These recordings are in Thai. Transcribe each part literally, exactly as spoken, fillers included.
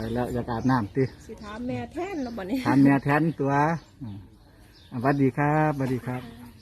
แล้วอยากอาบน้ำติสิถามแม่แทนเนาะบัดนี้ถามแม่แทนตัวสวัสดีครับสวัสดีครับ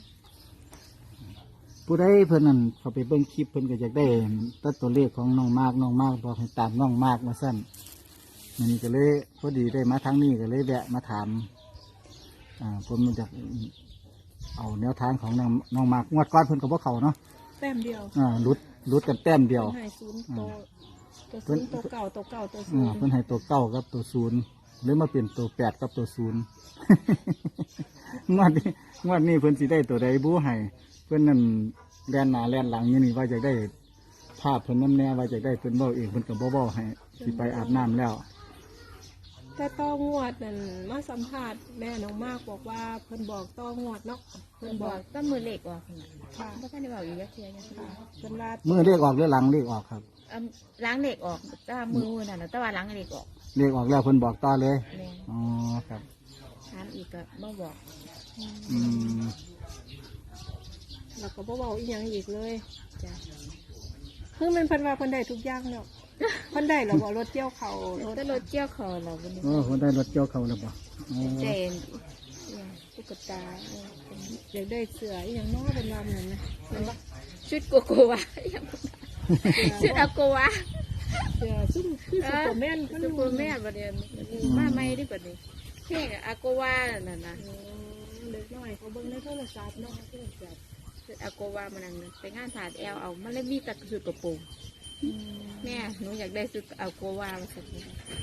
ผู้ใดเพิ่นนั่นเขาไปเบิ่งคลิปเพิ่นก็อยากได้ตัดตัวเลขของน้องมากน้องมากบอกให้ตามน้องมากมาสั้นมันก็เลยพอดีได้มาทางนี้ก็เลยแวะมาถามอ่าผมมันจะเอาแนวทางของน้องน้องมากงวดก้อนเพิ่นกับพวกเขาเนาะแต้มเดียวอ่าลุดลุดกันแต้มเดียวให้ศูนย์ตัวตัวศูนย์ตัวเก่าตัวเก่าตัวศูอ่านย์เพิ่นให้ตัวเก้ากับตัวศูนย์หรือมาเปลี่ยนตัวแปดกับตัวศูนย์ งวดนี้งวดนี้เพิ่นสิได้ตัวใดบู๊ให้เพิ่นนั่นแลนหน้าแลนหลังนี่นี่ว่าจะได้ภาพเพิ่นน้ำแน่ว่าจะได้เพิ่นเบ้าเองเพิ่นกับเบ้าให้สิไปอาบน้ำแล้วแต่ต้องงวดนั่นมาสัมภาษณ์แม่น้องมากบอกว่าเพิ่นบอกต้องงวดเนาะเพิ่นบอกต้องมือเล็กออกขนาดค่ะเพราะท่านได้บอกอยู่ยักเทียยังค่ะเพิ่นว่ามือเลขออกหรือหลังเลขออกครับล้างเล็กออกแต่มือนั่นนะแต่ว่าล้างเล็กออกเลขออกแล้วเพิ่นบอกต่อเลยแม่อ๋อครับถามอีกก็บ่บอกอืมแล้วก็บ่เว้าอีหยังอีกเลยจ้ะคือมันเพิ่นว่าเพิ่นได้ทุกอย่างแล้วเพิ่นได้แล้วบ่รถเกี่ยวเขารถก็รถเจียวคอเราวันนี้โอ้เพิ่นได้รถเกี่ยวเขาแล้วบ่อ๋อเจนตุ๊กตาอยากได้เสื้ออีหยังเนาะเพิ่นว่าเหมือนนะเห็นบ่ชุดโกโกวาชุดอาโกวาเสื้อซุ่มคือซุปเปอร์แมนซุปเปอร์แม่ประเดี๋ยวมาไม่ได้ประเดี๋ยวแค่อาโกวานั่นนะเล็กน้อยเขาเบิ่งในโทรศัพท์เนาะโทรศัพท์ชุดอาโกวามันนั่นไปงานถาดแอลเอามันเลยมีแต่ชุดกระโปรงแม่หนูอยากได้ชุดอาโกวามาสักนิด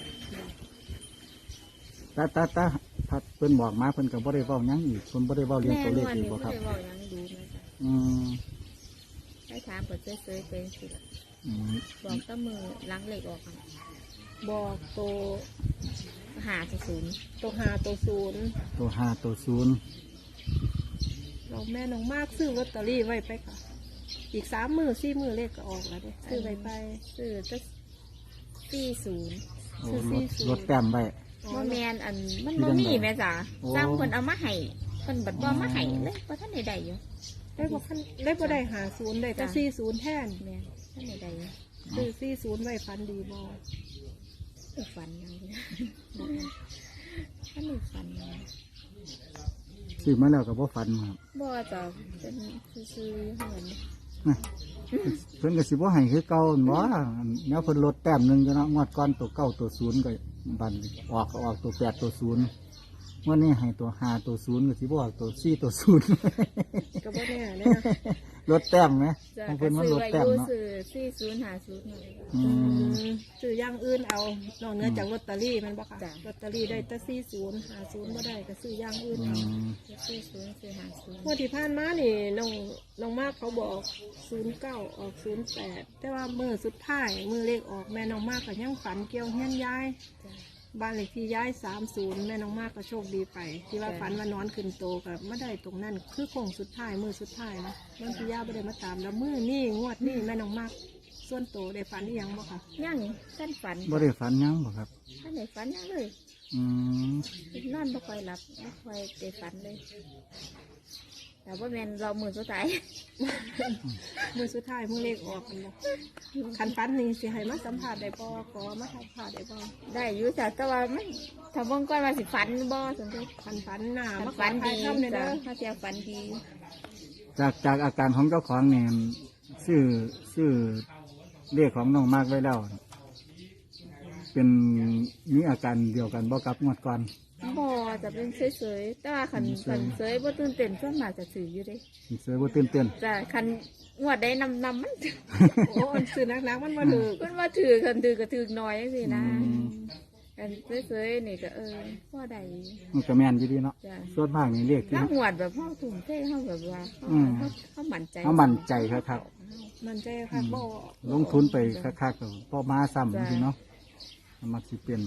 ตาตาตาพัดเพิ่นบอกมาเพิ่นก็บ่ได้เว้าหยังอีกเพิ่นบ่ได้เว้าเรื่องแม่ตัวเลนขวลอีกนี่บ่ไม่ครับได้บอกยังดูไหมจ๊ะอืมให้ถามเปิดเฉยๆไปสิอืมบอกต้มือล้างเหล็กออกบอกตัวหาจะศูนย์ตัวหาตัวศูนย์ตัวห้าตัวศูนย์เราแม่น้องมากซื้อลอตเตอรี่ไว้ไปค่ะ อีกสามมือสี่มือเลขก็ออกแล้วเด้ซื้อไว้ไปซื้อจะสี่ศูนย์โอ้ซื้อรสี่ถศูนย์รถแต้มไว้ว่าแมนอันมันบ่มีแม่จ๋าโอ้จ้างคนเอามาให้คนบัดบ่มาให้เลยเพราะท่านใดๆอยู่ได้บอกขั้นได้บ่ได้หาศูนย์ได้แต่สี่ศูนย์แทนแม่ท่านใดๆอยู่ซื้อสี่ศูนย์ไว้ฟันดีบออุฝันยังเลยท่านอุฝันยังซื้อมาแล้วก็บ่ฝันครับบ่จะเป็นซื้อๆเหมือนเพิ่นก็สิบ่ให้คือเก่าหั่นบ่แนวเพิ่นลดแต้มหนึงจ้ะเนาะงวดก่อนตัวเก้าตัวศูนย์ก็บัดออกก็ออกตัวแปดตัวศูนย์งวดนี้ให้ตัวห้าตัวศูนย์ก็สิบ่ออกตัวสี่ตัวศูนย์ก็บ่แน่เนี่ยนะลดแต้มไหมจะของก็เพิ่นมันซื้อลดไว้แต้อมยู่เนาะซื้อสี่ศูนย์หาศูนย์หน่อยอืมซื้ออย่างอื่นเอานอกเหนือจากลอตเตอรี่มันบ่ค่ะจ้ะลอตเตอรี่ได้แต่สี่ศูนย์หาศูนย์บ่ได้ก็ซื้ออย่างอื่นอืเอามสี่ศูนย์สี่หาศูนย์งวดที่ผ่านมานี่น้องน้องมากเขาบอกศูนย์เก้าออกศูนย์แปดแต่ว่ามือสุดท้ายมือเลขออกแม่น้องมากก็ยังฝันเกี่ยวเฮียนย้ายจ้ะบ้านเลขที่ย้ายสามศูนย์แม่น้องมากก็โชคดีไป ที่ว่าจ้ะฝันว่านอนขึ้นโตกับไม่ได้ตรงนั้นคือโค้งสุดท้ายมือสุดท้ายนะน้องพี่ย่าไม่ได้มาตามแล้วมือนี่งวดนี่แม่น้องมากส่วนโตได้ฝันอีหยังบ่ค่ะยังท่านฝันบ่ได้ฝันหยังบ่ครับท่านไหนฝันยังเลยอืมนอนไม่ค่อยหลับไม่ค่อยได้ฝันเลย แต่ว่าแมนเรามือสุดท้ายมือสุดท้ายมือเลขออกกันบ่คันฝันนี่สิให้มาสัมผัสได้บ่ขอมาสัมผัสได้บ่ได้อยู่จ้ะแต่ว่ามันถ้าเบิ่งก่อนว่าสิฝันบ่สนใจคันฝันหน้าถ้ามาฝันทาดียทำเนี่ยจ้ะเด้อถ้าเจ้าฝันดีจากจากอาการของเจ้าของเนี่ยชื่อชื่อเลขของน้องมากไว้แล้ว เป็นมีอาการเดียวกันบ่กับงวดก่อนบ่จะเป็นเฉยๆแต่ว่าคันคันเฉยบ่ตื่นเต้นส่วนมากจะถืออยู่เด้เสือบ่ตื่นเต้นจ้ะคันงวดได้นำนำมันโอ้อันซื้อนักๆมันมาถือมันว่าถือคันถือก็ถือน้อยจังซี่นะอืมคันเฉยๆนี่ก็เออพอได้มันก็แม่นอยู่ดีเนาะจ้ะส่วนมากนี่เลขที่ถ้าหวดแบบเฮาทุ่มเทเฮาแบบว่าเฮาอืมเฮาเฮามั่นใจเขามั่นใจครับมันใจค่ะบ่ลงทุนไปคักๆก็พอมาซ้ำจริงๆเนาะมักสิเป็น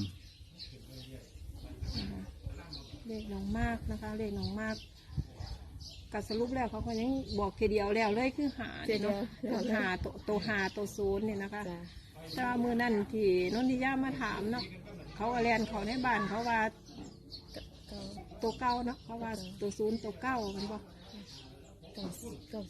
เลขน้องมากนะคะเลขน้องมากกัสรุปแล้วเขาก็ยังบอกทีเดียวแล้วเลยคือหาเดี๋ยวเนาะเดี๋ยวหาตัวตัวหาตัวศูนย์เนี่ยนะคะจ้ะถ้ามือนั่นที่นนทิยามาถามเนาะเขาก็เรียนเขาในบ้านเขาว่าก็ตัวเก้าเนาะเขาว่าตัวศูนย์ตัวเก้ามันบอกเก้าเก้าศูนย์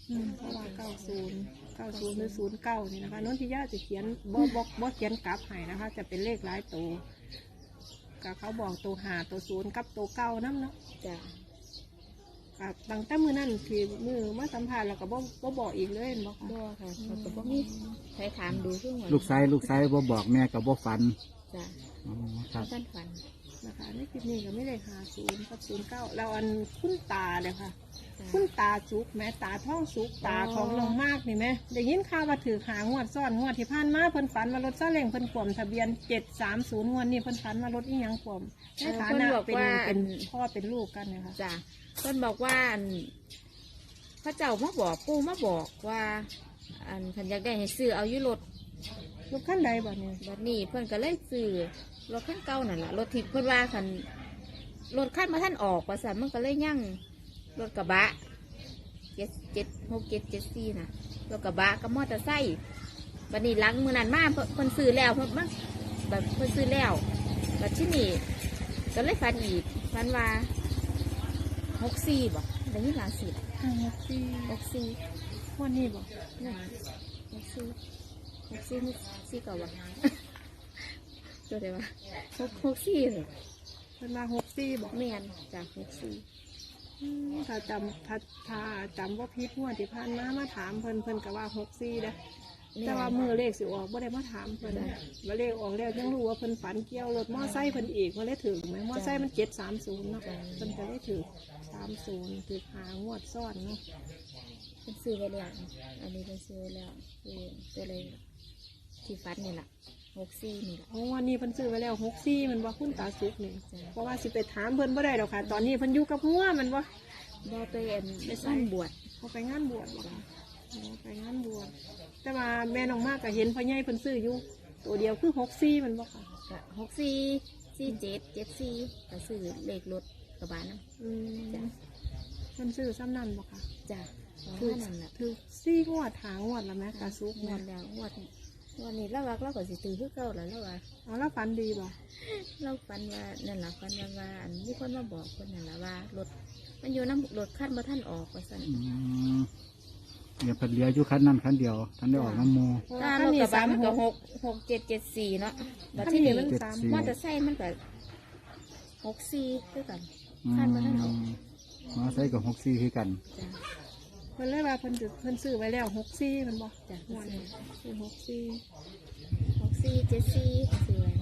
อืมเพราะว่าเก้าศูนย์เก้าศูนย์หรือศูนย์เก้านี่นะคะนนทิยาจะเขียนบ่บ่บ่เขียนกลับให้นะคะ จะเป็นเลขหลายตัวก็เขาบอกตัวหาตัวศูนย์กับตัวเก้านั่นเนาะจ้ะกับตั้งแต่มือนั่นที่มือมาสัมภาษณ์แล้วก็บ่บ่บอกอีกเลยเห็นบอกค่ะบ่ค่ะเขาก็บ่มีใครถามดูซึ่งว่าลูกชายลูกชายบ่บอกแม่กับบ่ฝันจ้ะอ๋อครับท่านฝันนะคะในคลิปนี้ก็ไม่ได้หาศูนย์กับศูนย์เก้าแล้วอันคุณตาเลยค่ะจ้ะคุณตาสุกแม่ตาท้องสุกตาของลงมากนี่ไหมได้ยินข่าวว่าถือหางวดซ่อนงวดที่ผ่านมาเพิ่นฝันว่ารถซาเล้งเพิ่นกลมทะเบียนเจ็ดสามศูนย์งวดนี้เพิ่นฝันว่ารถอีหยังกลมในฐานะเป็นเป็นพ่อเป็นลูกกันนะคะจ้ะเพิ่นบอกว่าอันพระเจ้ามาบอกปู่มาบอกว่า อันเพิ่นอยากได้ให้ซื้อเอาอยู่รถรถขั้นใดบ่เนี่ยบัดนี้เพิ่นก็เลยซื้อรถคันเก่านั่นล่ะรถที่เพิ่นว่าคันรถคันมาท่านออกว่าซั่นมันก็เลยยั่งรถกระบะเจ็ดเจ็ดหกเจ็ดเจ็ดสี่น่ะรถกระบะกับมอเตอร์ไซค์บัดนี้หลังมื้อนั้นมาเพิ่นเพิ่นซื้อแล้วเพิ่นมันแบบเพิ่นซื้อแล้วบัดที่นี่ก็เลยฝันอีกฝันว่าหกสี่บ่ได้ยินหลายสิหกสี่หกสี่งวดนี้บ่นี่หกสี่หกสี่สี่เก่าบ่ ตัวเดียวว่าหกหกสี่เหรอเพิ่นมาหกสี่บ่แม่นจากหกสี่อืมถ้าจำถ้าถ้าจำว่าพิษงวดที่ผ่านมามาถามเพิ่นเพิ่นก็ว่าหกสี่เด้อแต่ว่ามือเลขสิออกบ่ได้มาถามเพิ่นว่าเลขออกแล้วยังรู้ว่าเพิ่นฝันเกี่ยวรถมอไซค์เพิ่นอีกว่าเลยถึงไหมมอไซค์มันเจ็ดสามศูนย์เนาะเพิ่นก็ได้ถึงสามศูนย์ถึงหางวดซ้อนเนาะเป็นซื้อไว้แล้วอันนี้เป็นซื้อไว้แล้วคือตัวเลยที่ฟัดนี่แหละหกสี่นี่แหละเพราะวันนี้เพิ่นซื้อไว้แล้วหกสี่มันว่าคุณตาสุกนี่เพราะว่าสิไปถามเพิ่นบ่ได้ดอกค่ะ ตอนนี้เพิ่นอยู่กับหัวมันว่าบ่ไปเอ็นไปสั้นบวชเขาไปงานบวชบ่ค่ะอ๋อไปงานบวชแต่ว่าแม่น้องมากก็เห็นพ่อใหญ่เพิ่นซื้ออยู่ตัวเดียวคือหกสี่มันบ่ค่ะก็หกสี่สี่เจ็ดเจ็ดสี่ก็ซื้อเลขรถกระบะนะอืมเพิ่นซื้อซ้ำนั่นบ่ค่ะจ้ะของคือนั่นแหละคือซี่งวดหางวดแล้วแม่ตาซุกงเนี่วย ดแล้วงวดงวดนี้เราว่าเราก็สิตื่นคือเก่าแล้วเราว่าเอาแล้วฝันดีบ่เราฝันว่านั่นแหละฝันว่าว่าอันมีคนมาบอกคนนั่นแหละว่ารถมันอยู่น้ำรถขั้นมาท่านออกว่าสั่นอืมเดี๋ยวเพิ่นเหลืออยู่คันนั้นคันเดียวท่านได้ออกน้ำโมถ้ารถกระบะมันก็หกหกเจ็ดเจ็ดสี่เนาะบัดคันที่นี้นี่มันสามสี่มอเตอร์ไซค์มันก็หกสี่ด้วยกันอืขั้นมาท่านออกมมาใส่กับหกสี่คือกันจ้ะเพิ่นเลยว่าเพิ่นจะเพิ่นซื้อไว้แล้วหกซี่มันบ่จ้ะงวดนี้ซื้อหกซี่หกสี่เจ็ดสี่สี่ไว้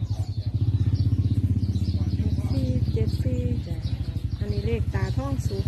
หกซี่เจ็ดซี่จ้ะอันนี้เลขตาท้องสุก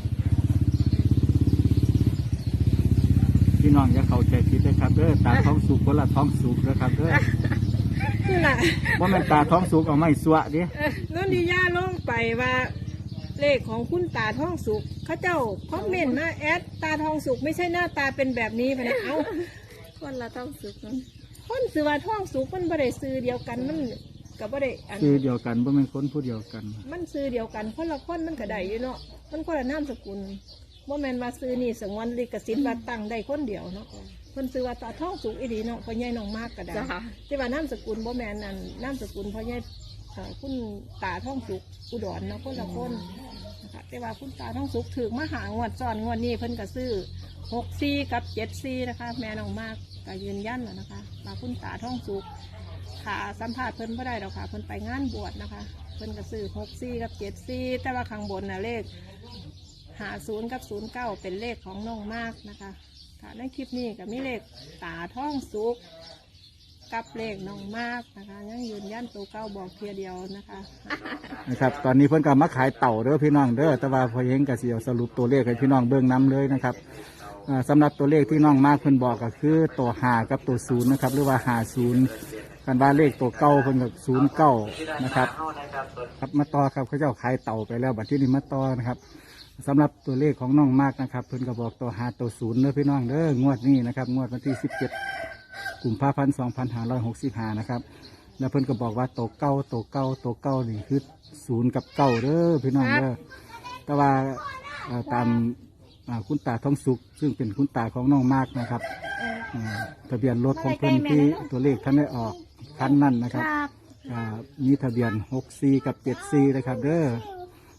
พี่น้องอย่าเข้าใจผิดนะครับเด้อตาท้องสุกคนละท้องสุกนะครับเด้อนี่แหละว่ามันตาท้องสุกเอาไม้สวะดินนทิยาลงไปว่า เลขของคุณตาท้องสุกเขาเจ้าคอมเมนต์มาแอดตาทองสุกไม่ใช่หน้าตาเป็นแบบนี้ไปนะเอ้าคนละต้องสึกเนาะคนซื้อว่าท้องสุกมันบ่ได้ซื้อเดียวกันมันก็บ่ได้อันคือเดียวกันบ่แม่นคนผู้เดียวกันมันซื้อเดียวกันคนละคนมันก็ได้อยู่เนาะมันคนละนามสกุลบ่แม่นว่าซื้อนี่สงวนลิขสิทธิ์ว่าตั้งได้คนเดียวเนาะเพิ่นซื้อว่าตาท้องสุกอีหลีเนาะพ่อใหญ่น้องมากก็ได้จ้ะแต่ว่านามสกุลบ่แม่นนั่นนามสกุลพ่อใหญ่เอ่อคุณตาท้องสุกอุดรเนาะคนละคนนะคะแต่ว่าคุณตาท้องสุกถึงมาหางวดซ้อนงวดนี้เพิ่นก็ซื้อหกซีกับเจ็ดซีนะคะ แม่น้องมากก็ยืนยันแล้วนะคะว่าคุณตาท้องสุกขาสัมภาษณ์เพิ่นบ่ได้ดอกค่ะเพิ่นไปงานบวชนะคะ เพิ่นก็ซื้อหกซีกับเจ็ดซีแต่ว่าข้างบนน่ะเลขหาศูนย์กับศูนย์เก้าเป็นเลขของน้องมากนะคะค่ะในคลิปนี้ก็มีเลขตาท้องสุกกับเลขน้องมากนะคะยังยืนยันตัวเก้าบอกเพียเดียวนะคะนะครับตอนนี้เพิ่นก็มาขายเต่าเด้อพี่น้องเด้อแต่ว่าพอเห็นก็สิเอาสรุปตัวเลขให้พี่น้องเบิ่งนํเลยนะครับอ่าสำหรับตัวเลขที่น้องมากเพิ่นบอกก็คือตัวห้ากับตัวศูนย์นะครับหรือว่าห้าศูนย์กันว่าเลขตัวเก้าเพิ่นก็ศูนย์เก้านะครับครับมาต่อครับเขาเจ้าขายเต่าไปแล้วบัดที่นี้มาต่อนะครับสำหรับตัวเลขของน้องมากนะครับเพิ่นก็บอกตัวห้าตัวศูนย์เด้อพี่น้องเด้องวดนี้นะครับงวดวันที่สิบเจ็ดกุมภาพันธ์สองพันห้าร้อยหกสิบห้านะครับแล้วเพิ่นก็บอกว่าตัวเก้าตัวเก้าตัวเก้านี่คือศูนย์กับเก้าเด้อพี่น้องเด้อแต่ว่าเอ่อตามอ่าคุณตาทองสุขซึ่งเป็นคุณตาของน้องมากนะครับอ่าทะเบียนรถของเพิ่นที่ตัวเลขท่านได้ออกคันนั้นนะครับอ่ามีทะเบียนหกสี่กับเจ็ดสี่นะครับเด้อ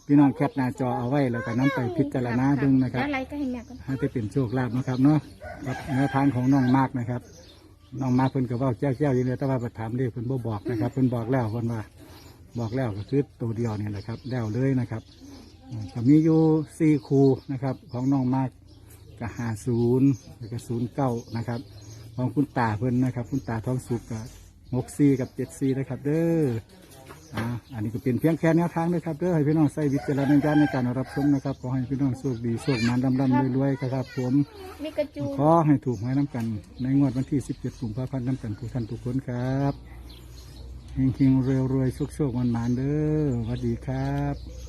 พี่น้องแคปหน้าจอเอาไว้แล้วก็นํไปพิจารณาเบิ่งนะครับแล้วอะไรก็ให้แม่กันให้ได้เป็นโชคลาภนะครับเนาะกับแนวทางของน้องมากนะครับน้องมากเพิ่นก็เว่าแจ้วๆอยู่เลยแต่ว่าไปถามเลขเพิ่นบ่บอกนะครับเพิ่นบอกแล้วเพิ่นว่าบอกแล้วก็คือตัวเดียวนี่แหละครับแล้วเลยนะครับอืมก็มีอยู่สี่คูนะครับของน้องมากก็ห้าศูนย์แล้วก็ศูนย์เก้านะครับของคุณตาเพิ่นนะครับ คุณตาทองสุกก็หกสี่กับเจ็ดสี่นะครับ เด้ออ่าอันนี้ก็เป็นเพียงแค่แนวทางนะครับเด้อให้พี่น้องใส่วิจารณญาณในการรับชมนะครับขอให้พี่น้องโชคดีโชคมันร่ำร่ำรวยๆครับผมมีกระจูขอให้ถูกหวยน้ำกัน ในงวดวันที่สิบเจ็ดกุมภาพันธ์น้ำกันทุกท่านทุกคนครับเฮงๆรวยๆโชคๆมันๆเด้อสวัสดีครับ